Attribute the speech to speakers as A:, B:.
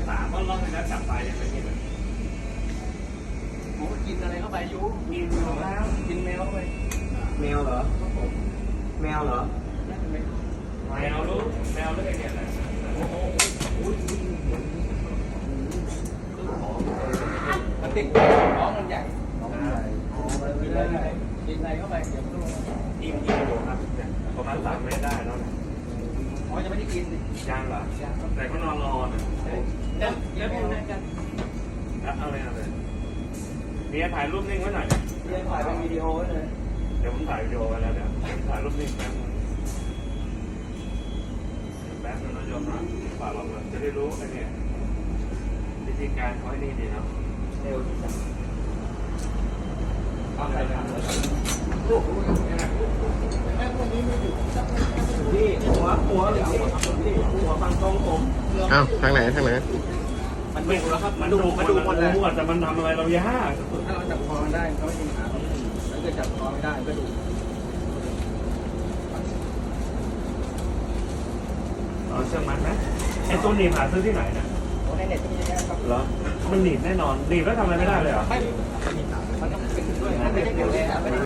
A: ถามว่ารอบที่แล้วจับปลายังไม่กินเลย
B: ผมก็กินอะไรเข้าไปยุ
A: กินแล้ว
B: กินแมวเข้าไป
C: แมวเหรอแมวเหรอ
A: แมวรู้แมวรู้ไงเนี่ยโอ้โห
B: มันติดน้องมันใหญ่กินอะไรเข้าไปเดี๋ยวมันก็ลง
A: กินอยู่ครับประมาณ3 เมตรได้แล้วนะ
B: อ๋อจะไม่ได้กิน
A: ยังเหรอแต่ก็นอนรอนะ
B: แล้วพี่นั่งกัน
A: เอาเลยเมียถ่ายรูปนิ่งไว้หน่อย
B: เรียนถ่ายเป็นวิดีโอไว้เลย
A: เดี๋ยวผมถ่ายวิดีโอไว้แล้วเดี๋ยวถ่ายรูปนิ่งแป๊บนึงนะโยมนะฝากเราจะได้รู้ไอ้เนี่ยวิธีการเขาให้นี่ดีนะ
B: เร็วที่สุด
A: เอาใส่กัน
C: พี่หัวหรือหัวฟังตรงผม
D: อ้าวทางไหนทางไหน
A: มันดูแล้วครับมันดูหมดเลยแต่มันทำอะไรเรายาก
B: ถ้าเราจับคอได้เขาไม่มีปัญหาถ้าเกิดจับคอไม่ได้ก็ดู
A: เชื่อมันไหมไอ้ตัวหนีบหาซื้อที่ไหนเนี่ย
B: ในเน็ตก็มีเยอะแยะครับ
A: เหรอมันหนีบแน่นอนหนีบแล้วทำอะไรไม่ได้เลยเหรอ
B: ไม่มันต้องเป็นด้วยไม่ได้เกี่ยวเลยครับ